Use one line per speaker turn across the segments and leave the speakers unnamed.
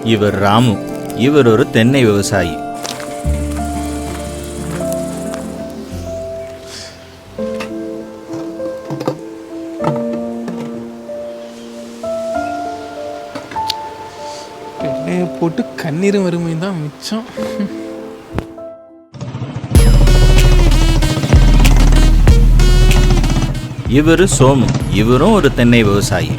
இவர் ராமு. இவர் ஒரு தென்னை விவசாயி.
எண்ணெயை போட்டு கண்ணீரும் வறுமை தான் மிச்சம்.
இவரு சோமு. இவரும் ஒரு தென்னை விவசாயி.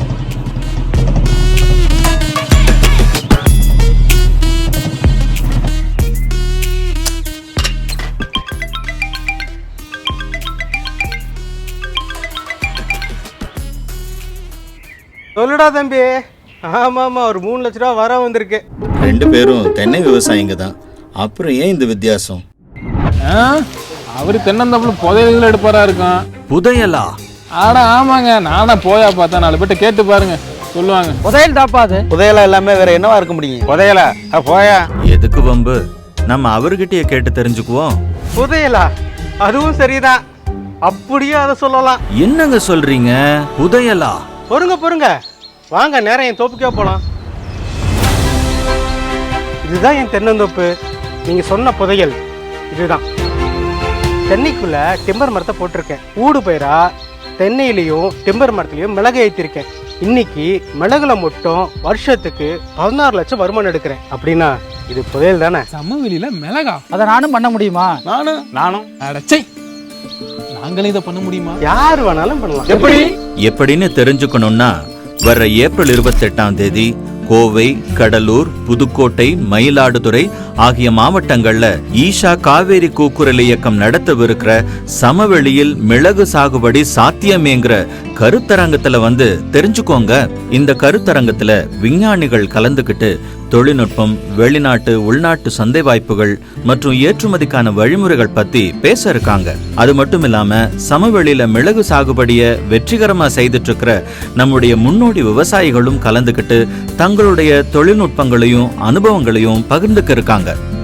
சொல்லுடா தம்பி. ஆமாம், ஒரு 3 லட்ச ரூபா வர வந்திருக்கு.
2 பேரும் தென்னை விவசாயிங்க தான். அப்புறம் ஏன் இந்த வித்தியாசம்?
அவரு தென்னந்தப்புல புதையல்கள் எடுப்பாரா இருக்கும்.
புதையலா?
ஆடா ஆமாங்க, நானா போயா பார்த்தா 4 பேர்ட்ட கேட்டு பாருங்க, சொல்லுவாங்க.
புதையல் தாப்பாது. புதையலா எல்லாமே வேற என்னவா இருக்க முடியும்? புதையலா போயா.
எதுக்கு வம்பு? நம்ம அவர்கிட்டயே கேட்டு தெரிஞ்சுக்குவோம்.
புதையலா? அதுவும் சரிதான், அப்படியே அதை சொல்லலாம்.
என்னங்க சொல்றீங்க? புதையலா?
பொறுங்க, வாங்க நேரம் என் தோப்புக்கே போலாம். இதுதான் என் தென்னந்தோப்பு. நீங்க சொன்ன புதையல் இதுதான். தென்னைக்குள்ள டிம்பர் மரத்தை போட்டிருக்கேன். ஊடு பயிரா தென்னையிலையும் டிம்பர் மரத்துலையும் மிளகு ஏற்றிருக்கேன். இன்னைக்கு மிளகுல மட்டும் வருஷத்துக்கு 16 லட்சம் வருமானம் எடுக்கிறேன். அப்படின்னா இது புதையல் தானே?
சமவெளியில மிளகா?
அதை நானும் பண்ண முடியுமா?
நானும் அடச்சை, நாங்களே இதை பண்ண முடியுமா?
யார் வேணாலும் பண்ணலாம்.
எப்படின்னு தெரிஞ்சுக்கணும்னா வர்ற ஏப்ரல் 28ஆம் தேதி கோவை, கடலூர், புதுக்கோட்டை, மயிலாடுதுறை ஆகிய மாவட்டங்கள்ல ஈஷா காவேரி கூக்குரல் இயக்கம் நடத்தவிருக்கிற சமவெளியில் மிளகு சாகுபடி சாத்தியமேங்கிற கருத்தரங்கத்துல வந்து தெரிஞ்சுக்கோங்க. இந்த கருத்தரங்கத்துல விஞ்ஞானிகள் கலந்துகிட்டு தொழில்நுட்பம், வெளிநாட்டு உள்நாட்டு சந்தை வாய்ப்புகள் மற்றும் ஏற்றுமதிக்கான வழிமுறைகள் பத்தி பேச இருக்காங்க. அது மட்டும் இல்லாம சமவெளியில மிளகு சாகுபடிய வெற்றிகரமா செய்துட்டு இருக்கிற நம்முடைய முன்னோடி விவசாயிகளும் கலந்துகிட்டு தங்களுடைய தொழில்நுட்பங்களையும் அனுபவங்களையும் பகிர்ந்துக்க இருக்காங்க.